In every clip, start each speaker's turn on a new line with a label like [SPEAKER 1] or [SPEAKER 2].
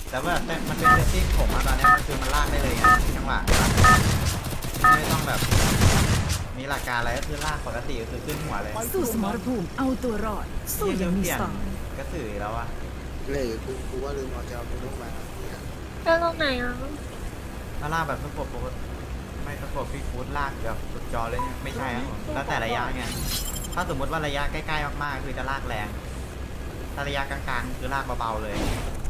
[SPEAKER 1] แต่ว่าแต่มันเป็นเซตติ้งผมอะตอนนี้มันคือมันลากได้เลยไงจังหวะไม่ต้องแบบมีหลักการอะไรก็คือลากปกติก็คือขึ้นหัวเลย
[SPEAKER 2] สู้สมรภูมิเอาตัวรอดสู้อย่างมี
[SPEAKER 1] เปลี่
[SPEAKER 2] ส
[SPEAKER 1] ยน
[SPEAKER 2] ไตล์
[SPEAKER 1] กระสือแล้วอะ
[SPEAKER 3] เลยกูว่าลืมเอาจะเอาไปลงมาเนี่ย
[SPEAKER 4] แล้วตรงไหนอ่ะ
[SPEAKER 1] ถ้าลากแบบสกบปกติไม่สกบฟีฟูดลากแบบสุดจอเลยเนี่ยไม่ใช่ครับผมแล้วแต่ระยะไงถ้าสมมติว่าระยะใกล้ๆมากๆคือจะลากแรงถ้าระยะกลางๆคือลากเบาๆเลย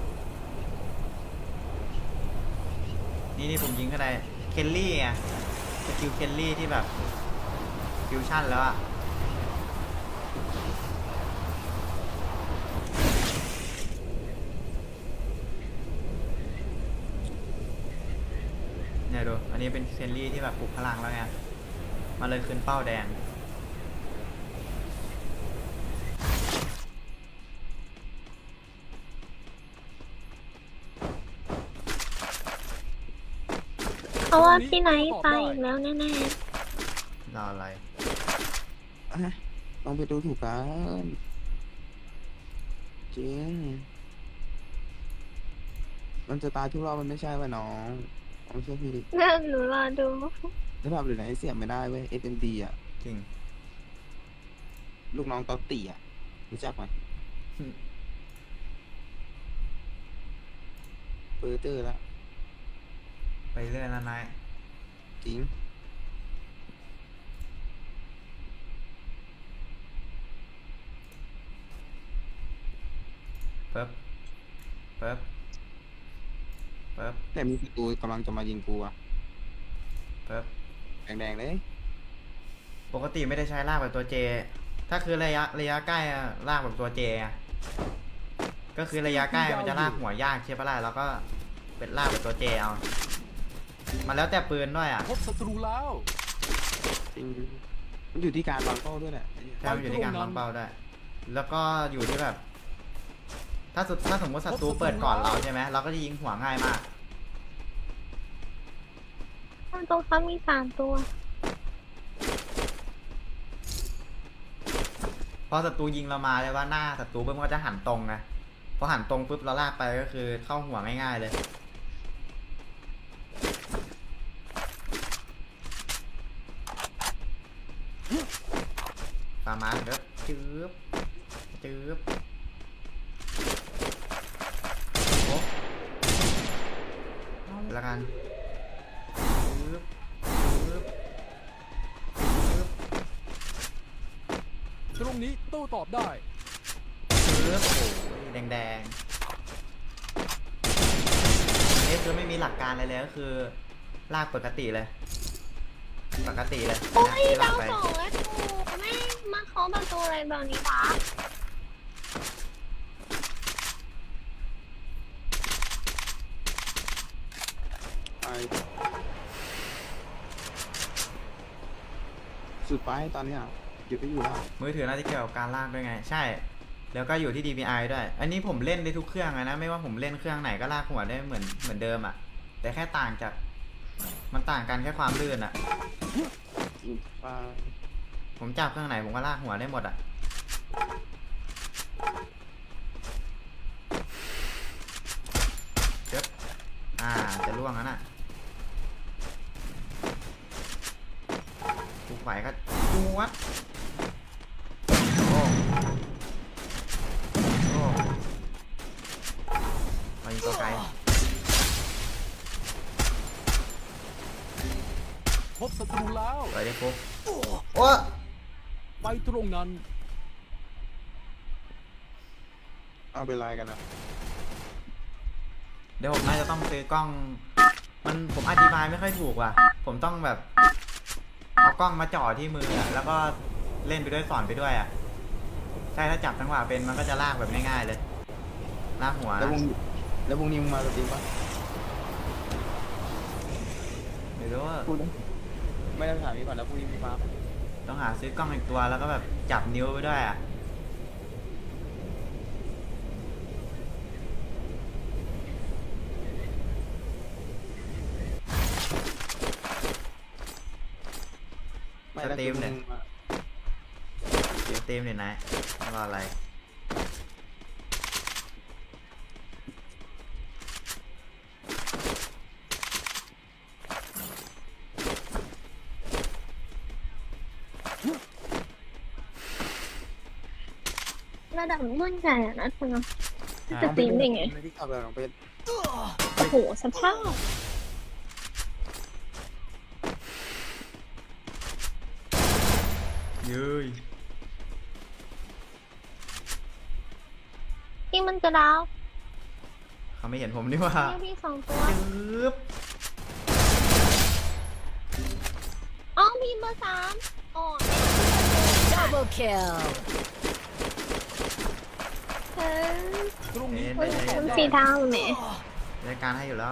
[SPEAKER 1] นี่ผมยิงก็ได้เคลลี่ไงสกิลเคลลี่ที่แบบฟิวชั่นแล้วอะเนี่ยดูอันนี้เป็นเคลลี่ที่แบบปลุกพลังแล้วไงมาเลยขึ้นเป้าแดง
[SPEAKER 4] เพราะว่าพี่ไนท์ตายอีกแล้วแน่
[SPEAKER 1] รออะไร
[SPEAKER 3] ลองไปดูถูกกันจริงมันจะตายทุกรอบมันไม่ใช่ป่ะน้องไม่ใช่พี่ดิ
[SPEAKER 4] ๆนั่นหนูรอดู
[SPEAKER 3] ถ้าแบบหรือไหนเสียบไม่ได้เว้ย SMD อ่ะ
[SPEAKER 1] จริง
[SPEAKER 3] ลูกน้องตอตตี้อ่ะรู้จักไหมเฟอร์เจอร์แล้ว
[SPEAKER 1] ไปเรื่อยแล้วนาย
[SPEAKER 3] จริง
[SPEAKER 1] เปิ๊บเปิ๊บเปิ๊บ
[SPEAKER 3] แต่มีศัตรูกำลังจะมายิงกูอ่ะ
[SPEAKER 1] เปิ๊บ
[SPEAKER 3] แดงๆเลย
[SPEAKER 1] ปกติไม่ได้ใช้ลากแบบตัวเจ ถ้าคือระยะใกล้อะลากแบบตัวเจอะก็คือระยะใกล้มันจะลากหัวยากใช่ปะล่ะแล้วก็เป็นลากแบบตัวเจเอา มันแล้วแต่ปืนด้วยอ่ะ
[SPEAKER 5] พบศัตรูแล้ว
[SPEAKER 3] จริง มันอยู่ที่การวางเป้าด้วยแหละ
[SPEAKER 1] ใช่มันอยู่ที่การวางเป้าด้วย แล้วก็อยู่ที่แบบ ถ้าสมมติศัตรูเปิดก่อนเราใช่ไหมเราก็จะยิงหัวง่ายมาก
[SPEAKER 4] ตรงเขามี3 ตัว
[SPEAKER 1] พอศัตรูยิงเรามาเลยว่าหน้าศัตรูปุ๊บมันก็จะหันตรงไงพอหันตรงปุ๊บเราลากไปก็คือเข้าหัวง่ายๆเลยฟาร์มาเด้อจืบจืบโอ้แล้วกันจืบจืบจืบ
[SPEAKER 5] ตรงนี้โต้ตอบได้
[SPEAKER 1] จืบโอ้ยแดงๆนี่คือไม่มีหลักการอะไรเลยก็คือลากปกติเลย ปกติเลย
[SPEAKER 4] โอ้ย
[SPEAKER 1] ที่ลา
[SPEAKER 4] ดาก ว
[SPEAKER 1] ไป
[SPEAKER 4] 2แล้วถูกแม่งมาเคาะประตูอะไรแบบนี้วะ
[SPEAKER 3] ไปสุดไปตอนเนี้ยหยุดไม่อยู่แล้ว
[SPEAKER 1] มือถือน่าจะเกี่ยวกับการลากด้วยไง ใช่ แล้วก็อยู่ที่ DPI ด้วย อันนี้ผมเล่นได้ทุกเครื่องนะไม่ว่าผมเล่นเครื่องไหนก็ลากหัวได้เหมือนเดิมอ่ะ แต่แค่ต่างจากมันต่างกันแค่ความลื่นอ่ะ
[SPEAKER 3] จริงไป
[SPEAKER 1] ผมจับเครื่องไหนผมก็ลากหัวได้หมดอ่ะเจ็บจะล่วงแล้วน่ะทุกไหวก็จวดโอ้โอ้ไปยิงตัวไกล
[SPEAKER 5] พบศัตรูแล้ว
[SPEAKER 1] ไปได้ปุ๊บโอ้
[SPEAKER 5] ไปตรงนั้น
[SPEAKER 3] เอาเป็นไรกันนะ
[SPEAKER 1] เดี๋ยวผมน่าจะต้องซื้อกล้อง ผมอธิบายไม่ค่อยถูกว่ะ ผมต้องแบบเอากล้องมาจ่อที่มืออะแล้วก็เล่นไปด้วยสอนไปด้วยอ่ะ ใช่ถ้าจับจังหวะเป็นมันก็จะลากแบบง่ายๆเลยลากหัว
[SPEAKER 3] แล้ววงนี้มึงมาจริงปะ
[SPEAKER 1] ไม่รู้ว่า
[SPEAKER 3] พูดนะไม่ได้ถามนี้ก่อนแล้วพรุ่งนี้มีมาปะ
[SPEAKER 1] ต้องหาซื้อกล้องอีกตัวแล้วก็แบบจับนิ้วไปด้วยอ่ะ
[SPEAKER 3] ไม่แล้ว
[SPEAKER 1] สตรีมเนี่ย
[SPEAKER 3] มึงมา
[SPEAKER 1] เดี๋ยวเต็มเลยนะรออะไร
[SPEAKER 4] ระดับรุ่นใหญ่อะนะเธอ
[SPEAKER 1] อ่ะ
[SPEAKER 4] จะตีมได้ไง
[SPEAKER 3] ไม่ได้ขับเลยลองไป
[SPEAKER 4] โอ้โหสภาพ
[SPEAKER 1] เย้ย
[SPEAKER 4] ที่มันจะดาว
[SPEAKER 1] เขาไม่เห็นผมนี่ว่า
[SPEAKER 4] นี่พี่2 ตัว
[SPEAKER 1] ปึ๊บ
[SPEAKER 4] อ๋อมีเบอร์ 3อ๋อ
[SPEAKER 2] Double kill.
[SPEAKER 4] เออ
[SPEAKER 5] ตรงนี้
[SPEAKER 1] เห็น
[SPEAKER 5] โต้
[SPEAKER 1] ได้
[SPEAKER 5] ตอบ
[SPEAKER 4] มัน
[SPEAKER 5] ได้
[SPEAKER 4] สีดาวแหม
[SPEAKER 1] รายการให้อยู่แล้ว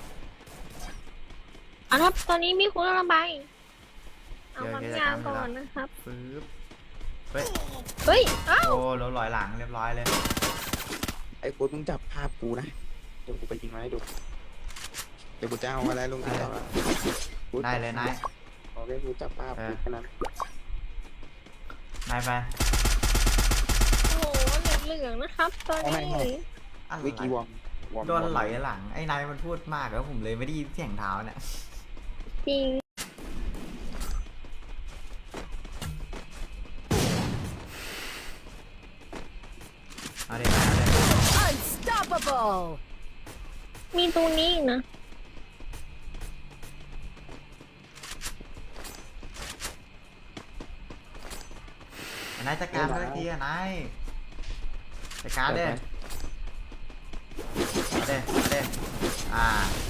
[SPEAKER 4] อ่ะครับตอนนี้มีคุณระบายเอา
[SPEAKER 1] เดี๋ยว
[SPEAKER 4] ความ
[SPEAKER 1] เดี๋ยว
[SPEAKER 4] ยาว
[SPEAKER 1] จะ
[SPEAKER 4] ก่อน
[SPEAKER 1] ทำเวลา
[SPEAKER 4] นะครับ
[SPEAKER 1] ปึ๊บเฮ้ย
[SPEAKER 4] เฮ้ยอ้าว
[SPEAKER 1] โอ้เราลอยหลังเรียบร้อยเลย
[SPEAKER 3] ไอ้โค้ดมึงจับภาพกูนะเดี๋ยวกูไปยิงมาให้ดูเดี๋ยวกูจะเอาอะไรลงติ๊กต็อก
[SPEAKER 1] ได้เลยนาย
[SPEAKER 3] โอเคกูจับภาพกูแค่นั้น
[SPEAKER 1] นายไป
[SPEAKER 4] โอ้โหเหลืองๆนะครับ ตอนนี้
[SPEAKER 1] อะไร
[SPEAKER 3] วิกี้วอม
[SPEAKER 1] โดนไหลหลัง ไอ้นายมันพูดมากแล้วผมเลยไม่ได้ยินเสียงเท้าเนี่ย
[SPEAKER 4] จริง
[SPEAKER 1] เอาเด็กนายเอาเด็ก
[SPEAKER 2] Unstoppable.
[SPEAKER 4] มีตัวนี้อีกนะ
[SPEAKER 1] นายจัดการสักทีอะนายจัดการเด้เอาเด้เอาเด้อ่า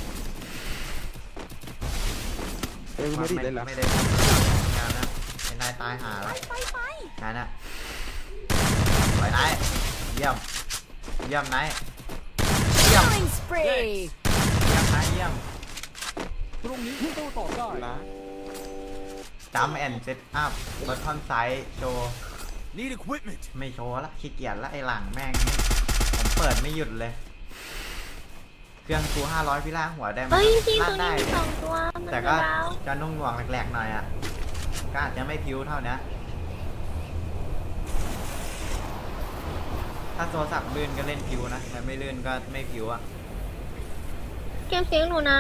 [SPEAKER 3] เอ้ยไม่ได้เล่นแล้ว
[SPEAKER 1] ไม่ได้งานนะไอ้นายตายหาแล้วงานน่ะไปนายเยี่ยมเยี่ยมนายเยี่ยม
[SPEAKER 2] Killing spree.
[SPEAKER 1] เยี่ยมนายเยี่ยม
[SPEAKER 5] ตรงนี้โต้ตอบได้
[SPEAKER 3] นะ
[SPEAKER 1] จัมแอนเซตอัพบอททอนไซด์โชว์
[SPEAKER 5] Need equipment
[SPEAKER 1] ไม่โชว์ละขี้เกียจละไอ้หลังแม่งนี่ผมเปิดไม่หยุดเลย เครื่องกู500พี่ล่างหัวได้ไหม
[SPEAKER 4] เฮ้ยพี่
[SPEAKER 1] ลั่
[SPEAKER 4] ตัวน นี้
[SPEAKER 1] ได้
[SPEAKER 4] มี2 ตัวมัน
[SPEAKER 1] แต่
[SPEAKER 4] จะ
[SPEAKER 1] ก็
[SPEAKER 4] ดาว
[SPEAKER 1] จะนุ่งหน่วงแหลกๆหน่อยอ่ะก็อาจจะไม่พิ้วเท่านี้ถ้าโทรศัพท์ลื่นก็เล่นพิ้วนะแต่ไม่ลื่นก็ไม่พิ้วอ่ะ
[SPEAKER 4] เก็บเสียงหนูนะ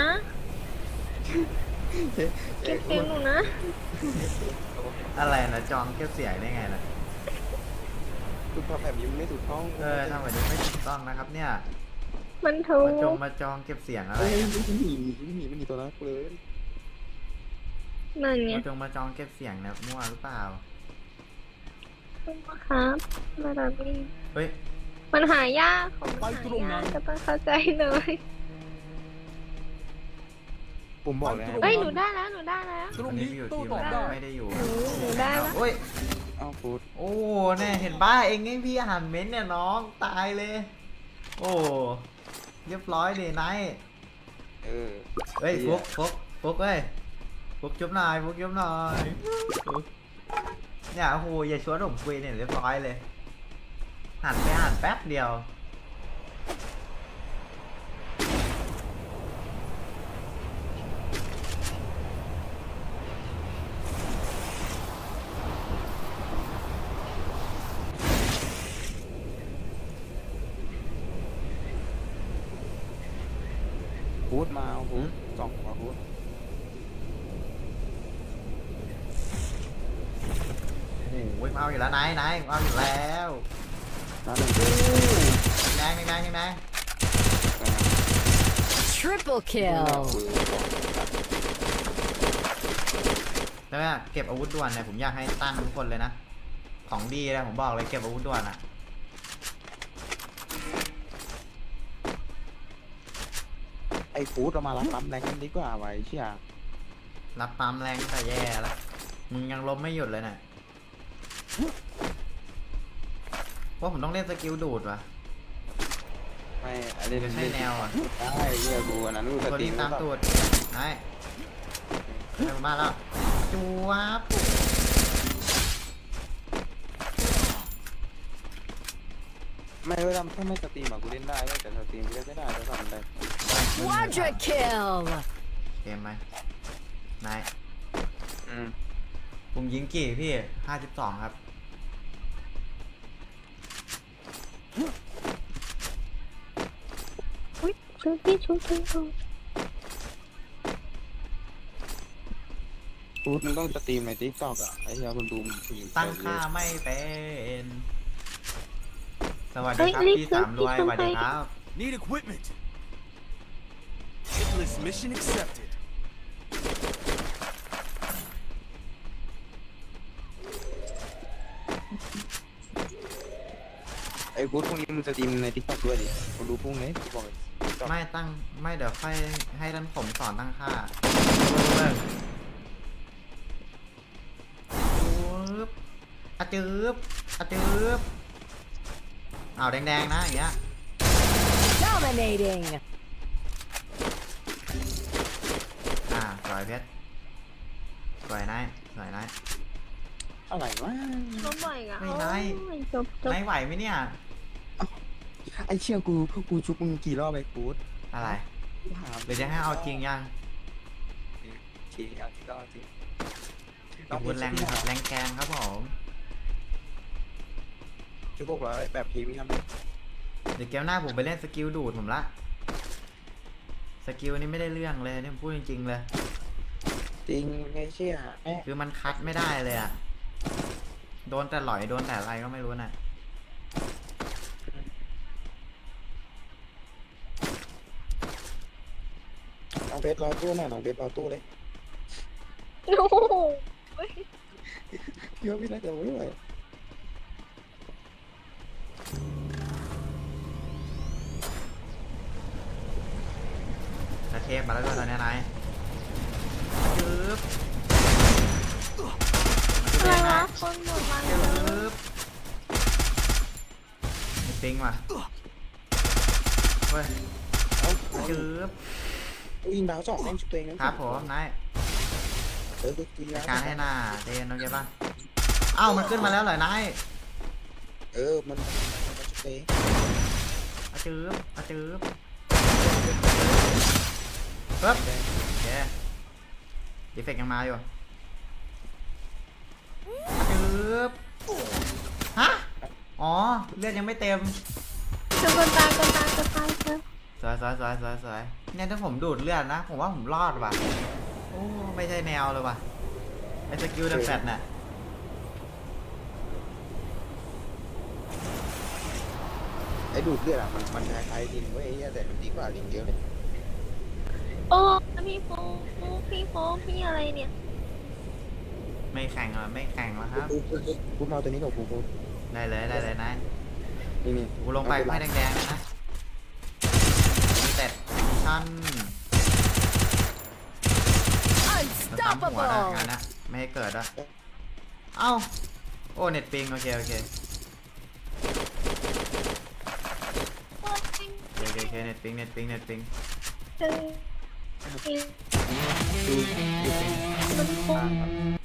[SPEAKER 4] เก็บเสียงหนูนะ
[SPEAKER 1] อะไรนะจองเก็บเสียงได้ไงนะ
[SPEAKER 3] คือพอแบบนี้มันไม่ถูกต้อง
[SPEAKER 1] ทำแบบนี้ไม่ถูกต้องนะครับเนี่ย
[SPEAKER 4] มันถูก
[SPEAKER 1] มาจองเก็บเสียงอะไร
[SPEAKER 3] เอ้ย
[SPEAKER 1] อะ
[SPEAKER 3] ไม่มีตัวนั้นเลย
[SPEAKER 4] นั่นไง
[SPEAKER 1] มาจองเก็บเสียงนะมั่วหรือเปล่า
[SPEAKER 4] ครับระดับนี้
[SPEAKER 1] เฮ้ย
[SPEAKER 4] มันหายากของมันหายากจะต้องเข้าใจเลย
[SPEAKER 3] ผมบอกเลย
[SPEAKER 4] เอ้ยหนูได้แล้วหนูได้แล้ว
[SPEAKER 5] ตร
[SPEAKER 1] วั
[SPEAKER 5] ง
[SPEAKER 1] นนี้
[SPEAKER 5] นี้
[SPEAKER 1] อยู่
[SPEAKER 5] โต้
[SPEAKER 1] ทีม
[SPEAKER 5] ตอบ
[SPEAKER 1] นะ
[SPEAKER 5] ได้
[SPEAKER 1] ไม่ได้อยู่
[SPEAKER 4] หนูได้แล้ว
[SPEAKER 1] โอ้ย
[SPEAKER 3] เอ้าพูด
[SPEAKER 1] โอ้เนี่ยเห็นป้าเองไงพี่อ่านเม้นต์เนี่ยน้องตายเลย โอ้เรียบร้อยเลยนาย
[SPEAKER 3] เออ
[SPEAKER 1] เฮ้ยฟุกเอ้ยฟุกจุ๊บหน่อยฟุกจุ๊บหน่อยฟุกเนี่ยโอ้โหอย่าชวนผมคุยเนี่ยเรียบร้อยเลยหันไปหันแป๊บเดียว
[SPEAKER 3] พูดมาเอาพูดสองมาพูด
[SPEAKER 1] โอ้โหเอาอยู่แล้วนายเอาอยู่แล้ว
[SPEAKER 3] นะหนึ่ง
[SPEAKER 1] แดง
[SPEAKER 2] Triple kill.
[SPEAKER 1] แล้วเนี่ยเก็บอาวุธด่วนเนี่ยผมอยากให้ตั้งทุกคนเลยนะของดีเลยผมบอกเลยเก็บอาวุธด่วนอ่ะ
[SPEAKER 3] ไอ้พูดเรามารับปั๊มแรงกันดีกว่าไว้เชี่ย
[SPEAKER 1] รับปั๊มแรงแต่แย่แล้วมึงยังล้มไม่หยุดเลยเนี่ยว่าผมต้องเล่นสกิลดูดว่ะ
[SPEAKER 3] ไม่อันนี้
[SPEAKER 1] ไม่ใช่แนวอ่ะ
[SPEAKER 3] ได้เฮียกูอันนั้นกูส
[SPEAKER 1] ตัว
[SPEAKER 3] ตรี
[SPEAKER 1] นี้
[SPEAKER 3] ม
[SPEAKER 1] ตามตูดนายเร็วมาแล้วจูวับ
[SPEAKER 3] ไม่เวลาถ้าไม่สตรีมอะกูเล่นได้เว้ยแต่สตรีมกูเล่นไม่ได้แล้วทำได้
[SPEAKER 2] Quadra kill.
[SPEAKER 1] เกมไหมนาย
[SPEAKER 3] อืม
[SPEAKER 1] ผมยิงกี่พี่52ครับ
[SPEAKER 4] อุ้ยชุบพี่ชุบ
[SPEAKER 3] พูดมึงต้องสตรีมในทิกตอกอะไอ้เฮียคนดูมึง
[SPEAKER 1] ตั้งค่าไม่เป็นสวัสดีครับพี่สามรวยสวัสดีครับ
[SPEAKER 5] Need equipment. Hitless mission accepted.
[SPEAKER 3] ไอ้กูพรุ่งนี้มึงจะดีมในทิกตอกด้วยดิกูรู้พรุ่งนี้กูบอกเลย TikTok
[SPEAKER 1] ไม่เดี๋ยวค่อยให้ท่านผมสอนตั้งค่าปึ๊บอะจืบอะจืบอ้าวแดงๆนะอย่างเงี้ย
[SPEAKER 2] Dominating.
[SPEAKER 1] สวยเพชรสวยนายสวยนาย
[SPEAKER 3] อะไรวะ
[SPEAKER 4] ล้มบ่อยอ่ะ
[SPEAKER 1] ไม่ได้
[SPEAKER 4] โอ้ยจบ
[SPEAKER 1] นายไหวไหมเนี่ย
[SPEAKER 3] ไอ้เชี่ยกูชุบมึงกี่รอบไปกูด
[SPEAKER 1] อะไร
[SPEAKER 3] กูถาม
[SPEAKER 1] เดี๋ยวจะให้เอาจริงยัง
[SPEAKER 3] ทีเอาที่ก็เอาจริง
[SPEAKER 1] ขอบคุณแรงแกงครับผม
[SPEAKER 3] ชุบพวกเราแบบพีวิ่งทำ
[SPEAKER 1] เดี๋ยวเกมหน้าผมไปเล่นสกิลดูดผมละสกิลนี้ไม่ได้เรื่องเลยนี่ผมพูดจริงๆเลย
[SPEAKER 3] จริงไงเชี่ยแม่
[SPEAKER 1] คือมันคัดไม่ได้เลยอะโดนแต่หลอยโดนแต่อะไรก็ไม่รู้น่ะ
[SPEAKER 3] น้องเพชรรอตู้หน่อยน้องเพชรรอตู้เลย
[SPEAKER 4] โอ้โห
[SPEAKER 3] เยอะพี่น่าจะไม่ไหว
[SPEAKER 1] กระเทพมาแล้วด้วยตอนนี้นายจึ๊บ
[SPEAKER 4] อะไรวะคนหมดมาเย
[SPEAKER 1] จึ
[SPEAKER 4] อะ
[SPEAKER 1] ๊บมีปิงว่ะเว้ย
[SPEAKER 3] เอ้า
[SPEAKER 1] จึ๊บ
[SPEAKER 3] ยิงดาวสองแม่งชุบตัวเองนะครับ
[SPEAKER 1] ผมนาย
[SPEAKER 3] กูยิงดาว
[SPEAKER 1] การให้หน้าเจนโอเคป่ะเอ้ามันขึ้นมาแล้วเหรอนาย
[SPEAKER 3] มันชุบตัวเอง
[SPEAKER 1] อะจึ๊บอะจึ๊บปึ๊บโอเคดีเฟกต์ยังมาอยู่จึ๊บฮะอ๋อเลือดยังไม่เต็ม
[SPEAKER 4] จะคนตายคนตายคนตายเถอะ
[SPEAKER 1] สวยเนี่ยถ้าผมดูดเลือดนะ ผมว่าผมรอดว่ะ โอ้ไม่ใช่แนวเลยว่ะไอ้สกิลเดอะแฟตน่ะ
[SPEAKER 3] ไอ้ดูดเลือดอ่ะมันคล้ายๆดินเว้ยแต่มันดีกว่าดินเยอะเลย
[SPEAKER 4] โอ้พี่โฟพี่อะไรเนี่ย
[SPEAKER 1] ไม่แข่งอ่ะไม่แข่งแล้วครับ
[SPEAKER 3] กูมาตัวนี้กับกู
[SPEAKER 1] ได้เลยนะ
[SPEAKER 3] นี่
[SPEAKER 1] กูลงไปไม่แดงๆเลยนะมีแต่ชั้นมันซ้ำหัวนะ
[SPEAKER 2] Unstoppable.
[SPEAKER 1] งานนะไม่ให้เกิดอ่ะเอ้าโอ้เน็ตปิงโอเคโอเคเน็ตปิง
[SPEAKER 4] เออมันโค้ง